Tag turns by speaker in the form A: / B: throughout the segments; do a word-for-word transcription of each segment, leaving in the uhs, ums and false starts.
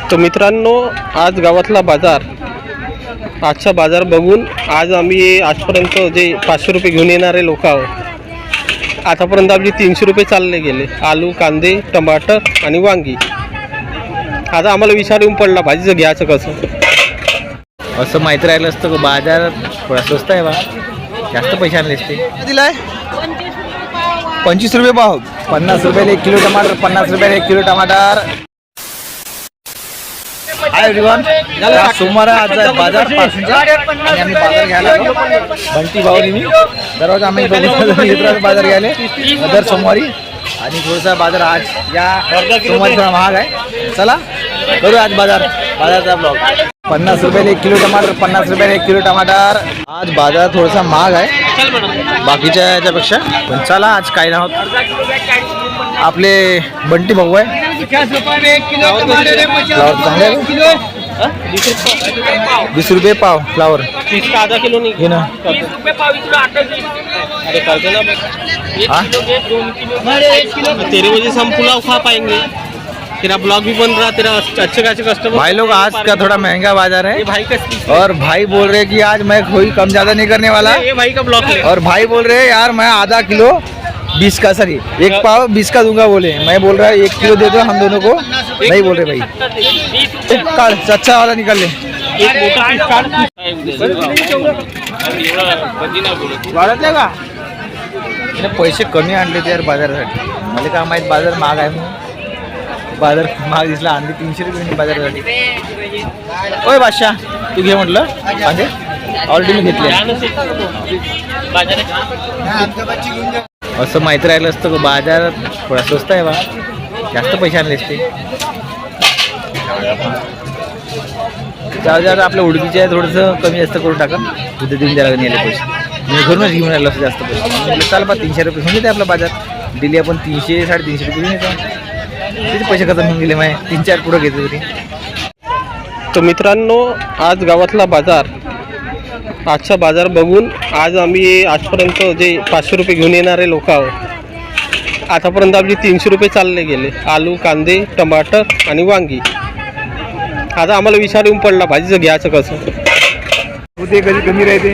A: तर मित्रांनो, आज गावातला बाजार, आजचा बाजार बघून आज आम्ही आजपर्यंत जे पाचशे रुपये घेऊन येणारे लोक आहोत, आतापर्यंत आपली तीनशे रुपये चालले गेले. आलू, कांदे, टमाटर आणि वांगी. आता आम्हाला विचार येऊन पडला भाजीचं घ्यायचं कसं.
B: असं माहीत राहिलं असतं की बाजार थोडा स्वस्त आहे बा, जास्त पैसे आणले असते.
C: दिलाय पंचवीस रुपये पाव.
B: पन्नास रुपयाला एक किलो टमाटर, पन्नास रुपयाला एक किलो टमाटर. हाय एव्हरीवन, आज सोमवार आज आहे बाजार पासूनचा आणि आम्ही बाजार घ्यायला आलो. बंटी भाऊनी मी दररोज आम्ही दोघं बाजार घ्यायला दर सोमवारी, आणि थोडासा बाजार आज या सोमवारी थोडा महाग आहे. चला करू आज बाजार बाजारचा ब्लॉग. पन्नास रुपयाला एक किलो टमाटर, पन्नास रुपयाला एक किलो टमाटर. आज बाजार थोडासा महाग आहे बाकीच्या याच्यापेक्षा, पण चला आज काय नाव आपले बंटी भाऊ आहे. फ्लावर चांगले वीस रुपये पाव फ्लावर.
A: आधा किलो नहीं
B: घे ना.
A: अरे कर देना
B: हाँ?
A: तेरे वजह से हम पुलाव खा पाएंगे. तेरा ब्लॉग भी बन रहा, तेरा अच्छे खासे कस्टमर.
B: भाई लोग आज का थोड़ा महंगा बाजार है,
A: ये भाई का
B: और भाई बोल रहे कि आज मैं कोई कम ज्यादा नहीं करने वाला.
A: ये भाई का ब्लॉग है.
B: और भाई बोल रहे यार मैं आधा किलो बीस का, सॉरी एक पाव बीस का दूंगा बोले. मैं बोल रहा है एक किलो दे दो हम दोनों को. नहीं बोल रहे भाई, एक कार्ड अच्छा वाला निकाल ले.
A: एक मोठा पीस काढ.
B: वाढतले का पैसे कमी आणले ते यार बाजारासाठी. मला काय माहित बाजार महाग आहे म्हणून. बाजार महाग दिसला, आणली तीनशे रुपये बाजारासाठी. ओय बादशाह, तू घे म्हटलं कांदे, ऑलरेडी मी घेतले. असं माहीत राहिलं असतं की बाजार थोडा स्वस्त आहे बा, जास्त पैसे आणले असते. जाऊ जाऊ आपल्या उडकीचे आहे, थोडंसं कमी जास्त करून टाका. उद्या देऊन द्यायला नेले पैसे. मी घरूनच घेऊन राहिलो असं जास्त पैसे. म्हटलं चाल बा तीनशे रुपये घेऊन येते आपला बाजार. दिली आपण तीनशे साडेतीनशे रुपये घेऊन येतो. किती पैसे खतम होऊन गेले माय, तीन चार पुढं घेतो तरी.
A: तर मित्रांनो, आज गावातला बाजार, आजचा बाजार बघून आज आम्ही आजपर्यंत जे पाचशे रुपये घेऊन येणारे लोक आहोत, आतापर्यंत आपली तीनशे रुपये चालले गेले. आलू, कांदे, टमाटर आणि वांगी. आता आम्हाला विचार येऊन पडला भाजीचं घ्यायचं कसं.
C: ते कधी कमी राहते.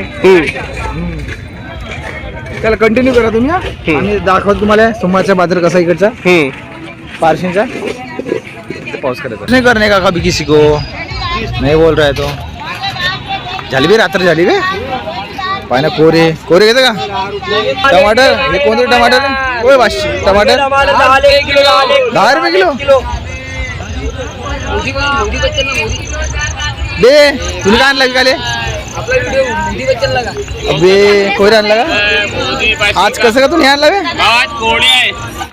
C: त्याला कंटिन्यू करा तुम्ही. हा? आम्ही दाखवतो तुम्हाला सोमवारचा बाजार कसा इकडचा
A: हम्म
C: पारशींचा.
B: पाऊस करायचा नहीं करने का कभी किसी को नहीं बोल रहा है तो. झाली बे रात्र झाली बे. पाहिजे कोरे कोरे घेतं का टमाटर. हे कोणते टमाटर होय पाचशे टमाटर दहा रुपये किलो. बे तुला काय आणला विकाले. अबे कोरे आणला का आज. कसं का तुम्ही आणला बे.